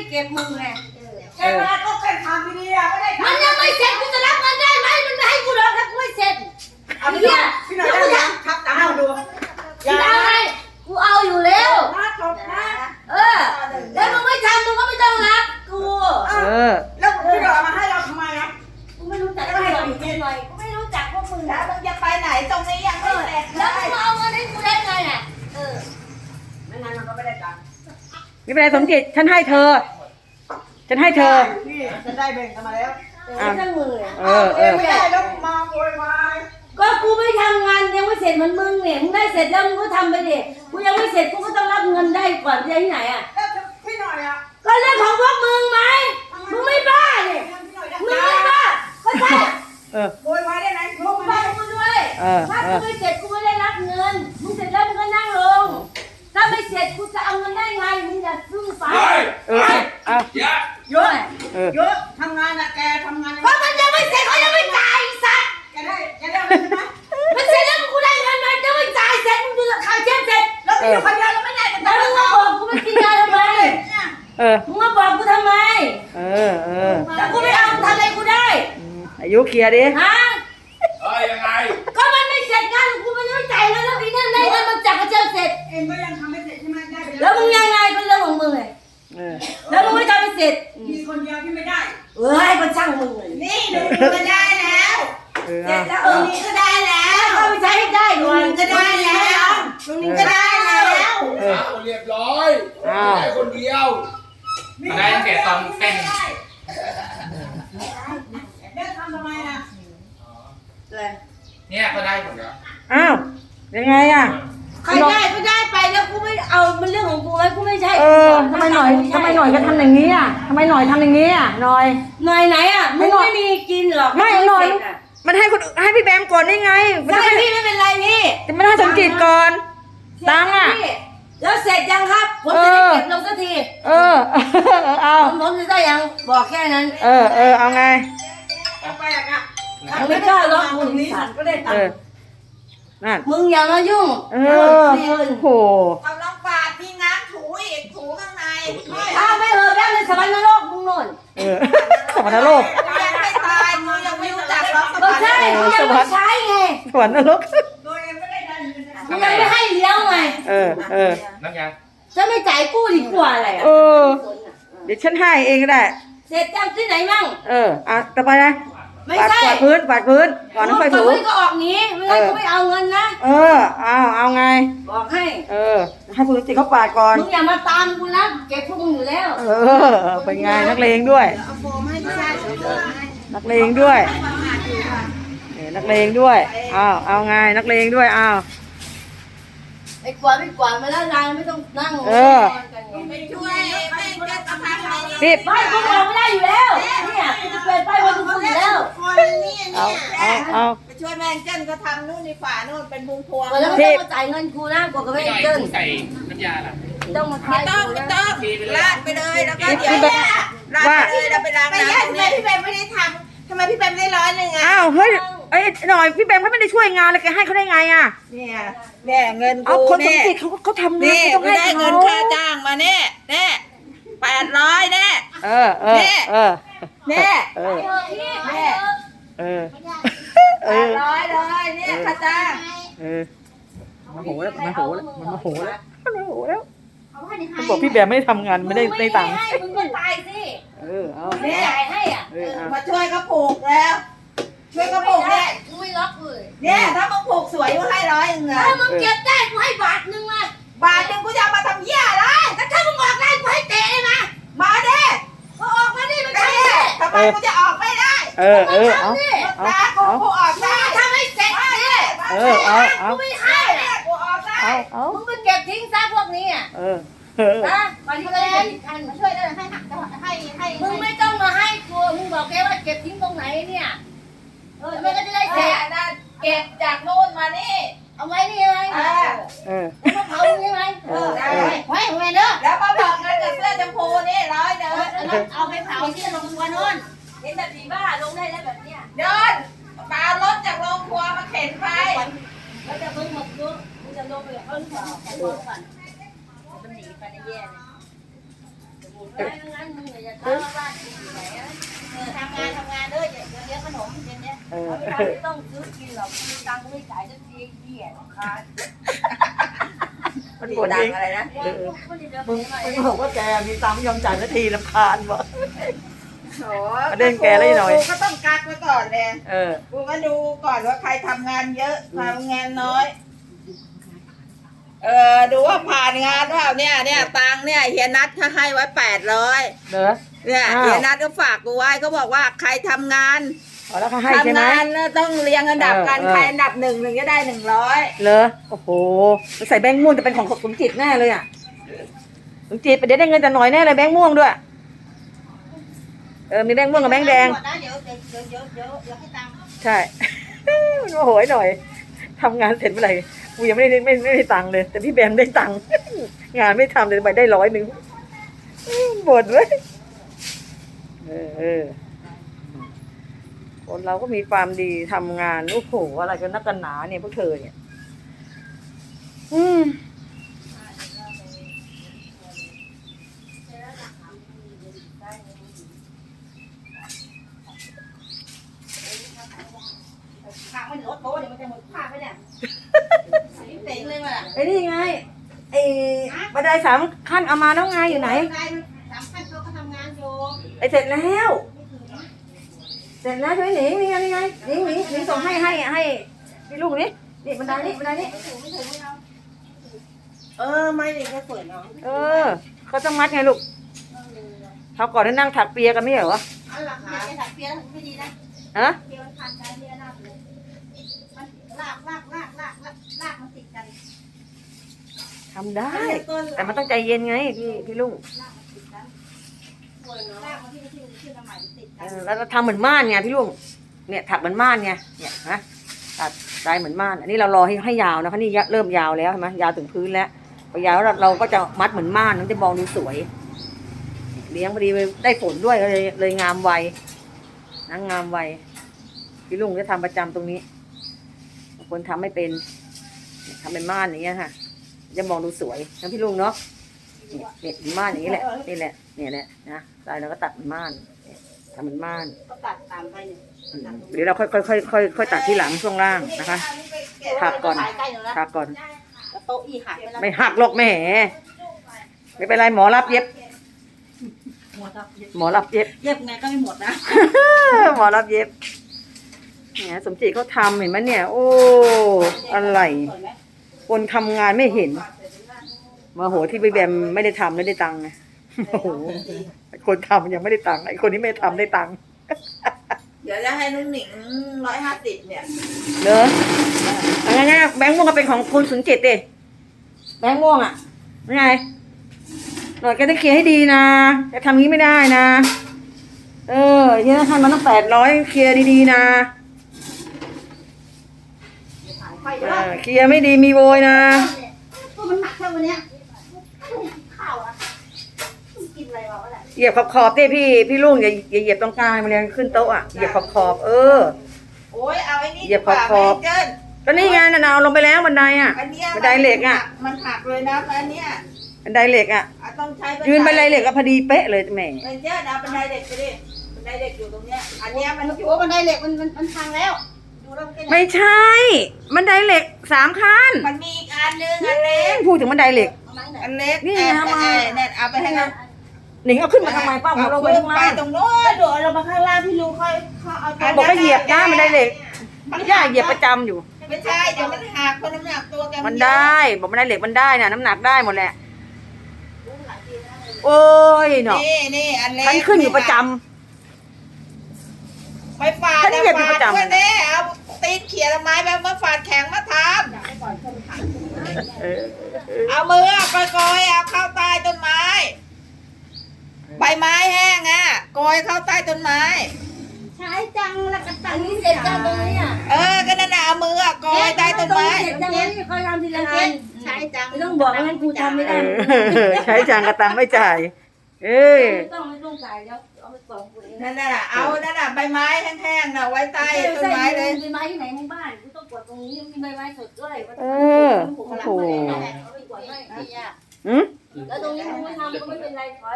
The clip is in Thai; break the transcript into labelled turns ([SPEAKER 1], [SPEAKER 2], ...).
[SPEAKER 1] เก็บมึงไง
[SPEAKER 2] แกมาก็แค่ทำดีๆอ่ะไม่ได้
[SPEAKER 1] มันยังไม่เสร็จกูจะรับเงินได้ไหมมันไม่ให้กูรอถ้ากูไม่เสร็จ
[SPEAKER 2] พี่หน่อยได้ยังครับตามดู
[SPEAKER 1] อย่าอะไรกูเอาอยู่แล้ว
[SPEAKER 2] จบนะ
[SPEAKER 1] แล้วมึงไม่ทำมึงก็ไม่ต้องรับกู
[SPEAKER 2] แล้วพี่หน่อยมาให้เราทำไมนะ
[SPEAKER 1] กูไม่รู้จักไม่ให้เราอยู่ที่ไหนกูไม่รู้จักพวกมึง
[SPEAKER 2] แล้วมึงจะไปไหนตรงนี้ยังไม่เสร็จ
[SPEAKER 1] แล้วมึงเอาเงินให้กูได้ไงอ่ะ
[SPEAKER 2] ไม่งั้นมันก็ไม่ได้ตังค์
[SPEAKER 3] ไม่เป็นไรสมจิตฉันให้เธอ
[SPEAKER 2] พี่ฉันได้แบ่งกันมาแล้ว
[SPEAKER 1] ทั้งมือ
[SPEAKER 2] ไม่ได้แล้วมาโวยวาย
[SPEAKER 1] ก็กูไม่ทำงานยังไม่เสร็จเหมือนมึงเนี่ยมึงได้เสร็จแล้วมึงก็ทำไปดิกูยังไม่เสร็จกูก็ต้องรับเงินได้ก่อนจะที่ไหนอ่ะ
[SPEAKER 2] พี่หน่อยอ่ะ
[SPEAKER 1] ก็เรื่องของพวกมึงไหมมึงไม่บ้าเนี่ยมึงไม่บ้าก็ใช่
[SPEAKER 2] โวยวายได้ไหม
[SPEAKER 1] มึงบ้ากูด้วยถ้ากูไม่เสร็จกูไม่ได้รับเงินมึงเสร็จแล้วมึงก็นั่งลงถ้าไม่เสร็จกูจะเอาเงินได้ไงมึงอย่าซื่อสาย
[SPEAKER 2] เยอะทำงานนะแกทำงาน
[SPEAKER 1] เพราะมันยังไม่เสร็จเขายังไม่จ่ายสัตว์
[SPEAKER 2] แกได้ใช่ไหม
[SPEAKER 1] มันเสร็จแล้วกูได้เงินมันจะไม่จ่ายเสร็จมึงดูราคาเช็คเสร็จ
[SPEAKER 2] แล้วมึงอยู่คนเดียวแล้วไม่ได้กัน
[SPEAKER 1] แล้วมึงมาบอกกูไม่กินยาทำไมมึงมาบอกกูทำไมแต่กูไม่เอาทำอะไรกูได้
[SPEAKER 3] อายุเคลียร์ดิ
[SPEAKER 1] ฮะ
[SPEAKER 4] ยังไง
[SPEAKER 1] ก็มันไม่เสร็จงานกูไม่ต้องจ่ายแล้วอีนั่นได้เงินมันจับกระเจิงเสร็จ
[SPEAKER 2] เองก็ยังทำไม่เสร็จใช่ไหมได้
[SPEAKER 1] แล้วมึงยังไงก็เรื่องของมึงเลยแล้วมึงไม่ทำไม่เสร็จ
[SPEAKER 2] มีคนเดียวที่ไม่ได้
[SPEAKER 1] ก็ช่างมึงเลย
[SPEAKER 2] นี่หนูก็ได้แล้วเสร็จแล้วนี่ก็ได้แล้ว
[SPEAKER 1] เอาไปใช้ให้ได้
[SPEAKER 2] หนูก็ได้แล้วหนูก็ได้แล้ว
[SPEAKER 4] เรียบร้อยได้คนเดียว
[SPEAKER 5] ได้ตั้งแต่ตอนเต้น
[SPEAKER 2] ได้ทำไมอ่ะ
[SPEAKER 5] เนี่ยก็ได้หมดแล้ว
[SPEAKER 3] อ้าวยังไงอ่ะ
[SPEAKER 1] ใครได้ก็ได้ไปแล้วกูไม่เอามันเรื่องของกูไว้กูไม่ใช่
[SPEAKER 3] ทำไมหน่อยก็ทำอย่างนี้อ่ะทำไมหน่อยทำอย่างนี้อ่ะหน่อย
[SPEAKER 1] ไหนอ่ะมึงไม่มีกินหรอก
[SPEAKER 3] ไม่หน่อยมันให้คนให้พี่แบมก่อนได้ไง
[SPEAKER 1] ไม่พี่ไม่เป็นไรพี่
[SPEAKER 3] จะไม่ได้สมจิตก่อนตังอ่ะ
[SPEAKER 1] แล้วเสร็จยังครับผมจะได้เก็บลงสักที
[SPEAKER 3] เอา
[SPEAKER 1] ผมจะได้ยังบอกแค่นั้น
[SPEAKER 3] เอาไง
[SPEAKER 2] ไปอ่ะ
[SPEAKER 1] ไม่กล้าล็อกมึงนี่
[SPEAKER 2] ก็ได้ตังค์
[SPEAKER 3] นั่น
[SPEAKER 1] มึงอย่ามายุ่ง
[SPEAKER 3] โห
[SPEAKER 2] ทำน้องปาดพี่น้ำถูอีกถูข้างใน
[SPEAKER 1] ถ้าไม่แบงในสวรรค์นรกมึงโน่น
[SPEAKER 3] สวรรค์นรก
[SPEAKER 2] ยังไม่ตายมึงยังไม่รู้จักหรอก
[SPEAKER 1] ใช่มึงยังไม่ใช้ไง
[SPEAKER 3] สวรรค์นรก
[SPEAKER 2] โดยยังไม่ได้ดัน
[SPEAKER 1] มึงยังไม่ให้เลี้ยงไง
[SPEAKER 5] น้ำยา
[SPEAKER 1] จะไม่จ่ายกู้ดีกว่าอะไร
[SPEAKER 3] เดี๋ยวฉันให้เองก็ได้
[SPEAKER 1] เสร็จจังที่ไหนมั่ง
[SPEAKER 3] ต่อไปนะ
[SPEAKER 1] ไม่ใช่
[SPEAKER 3] กวาดพื้นก่อนน้ำไฟถู
[SPEAKER 1] ก็ออกนี้ไม่งั้นกูไม่เอาเงินนะ
[SPEAKER 3] เอาไง
[SPEAKER 1] บอกให้
[SPEAKER 3] ให้คุณจิตเขาปาดก่อน
[SPEAKER 1] มึงอย่ามาตามกูนะเก็บพวกมึงอยู่แล้ว
[SPEAKER 3] เป็นไงนักเลงด้วยนักเลงด้วยนักเลงด้วยเอาไงนักเลงด้วย
[SPEAKER 1] ไอ้กวาดมาแล้วนายไม่ต้องนั่ง
[SPEAKER 2] ไปช่วยแม่จะทำอะไร
[SPEAKER 3] นี่
[SPEAKER 1] ไม่กูออกไม่ได้อยู่แล้วเนี่ยกูจะเปิดป้ายว่ากูอยู่แล้ว
[SPEAKER 2] ไปช่วยแม่เจ้นก็ทำนู่นในฝานู่นเป็นพวง
[SPEAKER 1] แล้วไม่ต้องมาจ่ายเงินกูนะกว่ากับแม่เจ้น
[SPEAKER 5] ใส่น้ำยาล่ะ
[SPEAKER 1] ต้องมา
[SPEAKER 2] ไม่ต้องลาดไปเลยแล้วก็เดี๋ยวลาดไปเลยเราไปล้างน้ำทำไมพี่แบมไม่ได้ทำทำไมพี่แบมได้100อ่ะ
[SPEAKER 3] เฮ้ยหน่อยพี่แบมเขาไม่ได้ช่วยงานเลยแกให้เขาได้ไงอ่ะ
[SPEAKER 2] เนี่ยเงินกู
[SPEAKER 3] คนสมจิตเขาทำงาน
[SPEAKER 2] ต้องให้ได้เงินค่าจ้างมาเนี่ย800เนี่ย800เลยเนี่ยค่าจ้าง
[SPEAKER 3] มาโหแล้วมันบอกพี่แบมไม่ได้ทำงานไม่ได้ตังค์
[SPEAKER 1] มึงก็ตายสิ
[SPEAKER 3] เอา
[SPEAKER 1] เนี่ยจ่ายให้
[SPEAKER 2] มาช่วยก็ปลูกแล้วช่วยก็ปลูกเนี่ย
[SPEAKER 1] กูไม่ล็อกเลย
[SPEAKER 2] เนี่ยถ้ามึงปลูกสวยกูให้100เงิน
[SPEAKER 1] ถ้ามึงเก็บได้กูให้1 บาทมา
[SPEAKER 2] 1 บาทกูจะมาทำเหี้ยอะไร
[SPEAKER 1] แต่ถ้ามึงออกได้กูให้เตะเลย
[SPEAKER 2] มาเด้
[SPEAKER 1] ก็ออกมาดิมันใช่
[SPEAKER 2] ทำไมกูจะออกไม่ได้
[SPEAKER 1] เอา
[SPEAKER 2] กูออกได้
[SPEAKER 1] ทำให้เสร็จดิกูไม่ให้
[SPEAKER 2] กูออกได้
[SPEAKER 1] มึงไปเก็บทิ้งซะพวกนี้นะมันเลย
[SPEAKER 2] มาช่วยได้ให้
[SPEAKER 1] มึงไม่ต้องมาให้กูมึงบอกแกว่าเก็บทิ้งตรงไหนเนี่ยมันก็จะได้เสร็จ
[SPEAKER 2] เก็บจากโน่นมานี่
[SPEAKER 1] เอาไว้นี่ไหมมาเผาตรงนี้ไหมไว้เด้อ
[SPEAKER 2] แล้วมาบอกกันกับเสื้อชมพูนี่100เด้อ
[SPEAKER 1] เอาไปเผาที่โรงครัวโน่นเห็นแบบผีบ้าลงได้แล้วแบบเนี้ย
[SPEAKER 2] เดินปารถจากโรงครัวมาเข็นไป
[SPEAKER 1] แล้วจะมึงมาดูมึงจะลงไปกับเขาหรือเปล่าไปบอกก่อนมันหนีไปในแย่เลยงั้นมึงอย่าทำบ้านไหน
[SPEAKER 2] ทำงานด้วยเดี๋ยวเลี้ยงขนมเย็นเนี้ย
[SPEAKER 1] ไม่ต้องซื้อกินหรอกมีตังค์ไม่จ่ายจะทีเหี้ยค้า
[SPEAKER 3] มันบ่นเอง
[SPEAKER 2] อะไรนะ
[SPEAKER 3] มึงบอกว่าแกมีตังค์ไม่ยอมจ่ายนาทีรำคาญวะ
[SPEAKER 2] โอ้
[SPEAKER 3] ประเด็นแกเลยหน่อย
[SPEAKER 2] กูก็ต้องกักไว้ก่อนเลย กูก็ดูก่อนว่าใครทำงานเยอะทำงานน้อย ดูว่าผ่านงานเปล่าเนี่ยตังค์เนี่ยเฮียนัทเขาให้ไว้800
[SPEAKER 3] เหรอ
[SPEAKER 2] เนี่ย
[SPEAKER 3] อ้าว
[SPEAKER 2] เฮียนัทก็ฝากกูไว้เขาบอกว่าใครทำงาน
[SPEAKER 3] อ๋อแล้วเขาให้ใช่ไหม
[SPEAKER 2] ทำงานแล้วต้องเรียงอันดับกัน
[SPEAKER 3] เออ
[SPEAKER 2] ใครอันดับ1ถึงจะได้100
[SPEAKER 3] เหรอโอ้โหมันใส่แบงค์ม่วงจะเป็นของสมจิตแน่เลยอ่ะสมจิตเดี๋ยวได้เงินแต่หน่อยแน่เลยแบงค์ม่วงด้วยมีแบงค์ม่วงกับแบงค์แดง
[SPEAKER 2] เดี๋ยวให้ตังค์
[SPEAKER 3] ใช่ มันโมโหหน่อยทำงานเสร็จเมื่อไหร่กูยังไม่ได้ตังค์เลย แต่พี่แบมได้ตังค์ งานไม่ทำเลยไปได้100บ่นเว้ยคนเราก็มีความดีทำงานโอ้โหอะไรกันนักกันหนาเนี่ยพวกเธอเนี่ย
[SPEAKER 2] ผักมันลดโต๊ะเดี๋ยวมันจะหมดผ้าไปเนี่ยเต็งเลยว่ะ
[SPEAKER 3] ไอ้นี่ไงไอ้บันได3 ขั้นเอามาแล้วไงอยู่ไหน
[SPEAKER 2] 3 ขั้นเขาก็ทำงานอยู่
[SPEAKER 3] ไอ้เสร็จแล้วใช่ไหมหนิงนี่ไงหนิงส่งให้พี่ลูกนี่บันไดนี่
[SPEAKER 2] ไม่เลยแค่ฝืนเนาะ
[SPEAKER 3] เขาต้องมัดไงลูกเขาก่อนได้นั่งถักเปียกันไม่เหรอ
[SPEAKER 2] เอาหลักฐานถักเปียร์ไม่ดีนะ
[SPEAKER 3] ฮะ
[SPEAKER 2] เปียร์มันพันกันเปียร์หน้าเลยมันลากมันติดกัน
[SPEAKER 3] ทำได้แต่มันต้องใจเย็นไงพี่ลุง
[SPEAKER 2] ลากมันที่ขึ้นมาใหม่ติดกัน
[SPEAKER 3] แล้วทำเหมือนม่านไงพี่ลุงเนี่ยถักเหมือนม่านไงเนี่ยฮะตัดได้เหมือนม่านอันนี้เรารอให้ยาวนะคะนี่เริ่มยาวแล้วใช่ไหมยาวถึงพื้นแล้วพอยาวแล้วเราก็จะมัดเหมือนม่านมันจะมองดูสวยเลี้ยงพอดีได้ฝนด้วยเลยงามไวนะงามไวพี่ลุงจะทำประจำตรงนี้คนทำไม่เป็นทำเป็นม่านอย่างเงี้ยค่ะจะมองดูสวยนะพี่ลุงเนาะเนี่ยม่านอย่างนี้แหละนี่แหละเนี่ยแหละนะตายเราก็ตัดเป็นม่านทำเป็นม่าน
[SPEAKER 2] ก็ตัดตามไปเนี่ย
[SPEAKER 3] เดี๋ยวเราค่อยตัดที่หลังช่วงล่างนะคะถักก่อน
[SPEAKER 2] โต๊ะอีหักไปแล้ว
[SPEAKER 3] ไม่หักหรอกแหมไม่เป็นไรหมอรับเย็บ หมอรับเย็บ
[SPEAKER 2] เย็บไงก็ไม่หมดนะ
[SPEAKER 3] หมอรับเย็บเนี่ยสมจิตเขาทำเห็นไหมเนี่ย โอ้อะไรคนทำงานไม่เห็นมาโหที่พี่แบมไม่ได้ทำไม่ได้ตังค์ไงโอ้โหคนทำยังไม่ได้ตังค์ไอ้คนที่ไม่ทำได้ตังค์
[SPEAKER 2] เดี๋ยวจะให้นุ่งหนิง150เนี่ย
[SPEAKER 3] เนอะงั้นแบงค์ม่วงก็เป็นของคุณสุนจิตดิแบงค์ม่วงอ่ะยังไงหน่อยแกต้องเคลียร์ให้ดีนะจะทำงี้ไม่ได้นะที่ธนาคารมันต้อง800เคลียร์ดีๆนะเคลียร์ไม่ดีมีโวยนะ
[SPEAKER 2] มันหนักแค่วันเนี้ยข้าวอะกินอะไรวะแหละ
[SPEAKER 3] เหยียบขอบๆดิพี่ลุงอย่าเหยียบตรงกลางมันเลยขึ้นโต๊ะอ่ะเหยียบขอบๆ
[SPEAKER 2] โอ้ยเอาไอ้นี่
[SPEAKER 3] เหยียบขอบ
[SPEAKER 2] เจิ้น
[SPEAKER 3] ก็นี่ไงน่ะเอาลงไปแล้วบันไดอ่ะ
[SPEAKER 2] อันเนี้ย
[SPEAKER 3] บันไดเหล็กอ่ะ
[SPEAKER 2] มันหักเลยนะอันเนี้ย
[SPEAKER 3] บันไดเหล็กอ่ะ
[SPEAKER 2] ต้องใช้
[SPEAKER 3] ยืนบันไดเหล็กก็พอดีเป๊ะเลยแหม
[SPEAKER 2] เป็นเจิ้นเอาบันไดเหล็กไปดิบันไดเหล็กอยู่ตรงเนี้ยอันเนี้ยมันโอ้บันไดเหล็กมันพังแล้วดูแล้วมัน
[SPEAKER 3] ไม่ใช่บันไดเหล็ก3 ขั้น
[SPEAKER 2] มันมีอีกอันนึงอันเล็ก
[SPEAKER 3] พูดถึงบันไดเหล็ก
[SPEAKER 2] อันเล็ก
[SPEAKER 3] นี่เอามา
[SPEAKER 2] เนี่ยเอาไปให้เขา
[SPEAKER 3] หนิงเอาขึ้นมาทำไมป้าผมลงไปข้างล่าง
[SPEAKER 2] ตรงโน้นเดี๋ยวเรามาข้างล่างพี่รู้เขาเอา
[SPEAKER 3] บอกว่าเหยียบนะบันไดเหล็กย่าเหยียบประจำอยู่
[SPEAKER 2] ไม่ใช่เดี๋ยวมันหักคนน้ำหนักตัวแก
[SPEAKER 3] มันได้บอกบันไดเหล็กมันได้นะน้ำหนักได้หมดแหละโอ้ยเนาะ
[SPEAKER 2] นี่อันเล็ก
[SPEAKER 3] ฉันขึ้นอยู่ประจำ
[SPEAKER 2] ไปฝาด
[SPEAKER 3] ฉันเหยียบอยู่ประจำ
[SPEAKER 2] เพื่อนเนี่ยเอาตีนเขี่ยไม้แบบมาฝาดแข็งมาทำเอามือไปกอยเอาเข้าใต้ต้นไม้ใบไม้แห้งอ่ะกอยเข้าใต้ต้นไม้
[SPEAKER 1] ใช้จังแล้วก็ตังนี้เสร็จจังตรงนี้อ่ะ
[SPEAKER 2] ก็นั่นน่ะเอามือกอยใต้ต้นไม้
[SPEAKER 1] เสร็จจังนี้เขาทำทีละงาน
[SPEAKER 2] ใช้จัง
[SPEAKER 1] ไม่ต้องบอกงั้นกูทำไม่ได้
[SPEAKER 3] ใช้จางกระตังไม่จ่าย
[SPEAKER 1] ไม่ต้องจ่ายเดี๋ยวเอาไปส่งกูเอง
[SPEAKER 2] นั่นน่ะเอานั่นน่ะใบไม้แห้งๆน่ะไว้ใต้ต้นไม้เลย
[SPEAKER 1] ใบไม้ที่ไหนในบ้านกูต้องกดตรงนี้มีใบไม้สดด้วย
[SPEAKER 3] โอ้โห
[SPEAKER 1] เอาไปกดให้แล้วตรงนี้มึงไม่ทำก็ไม่เป็นไรถอย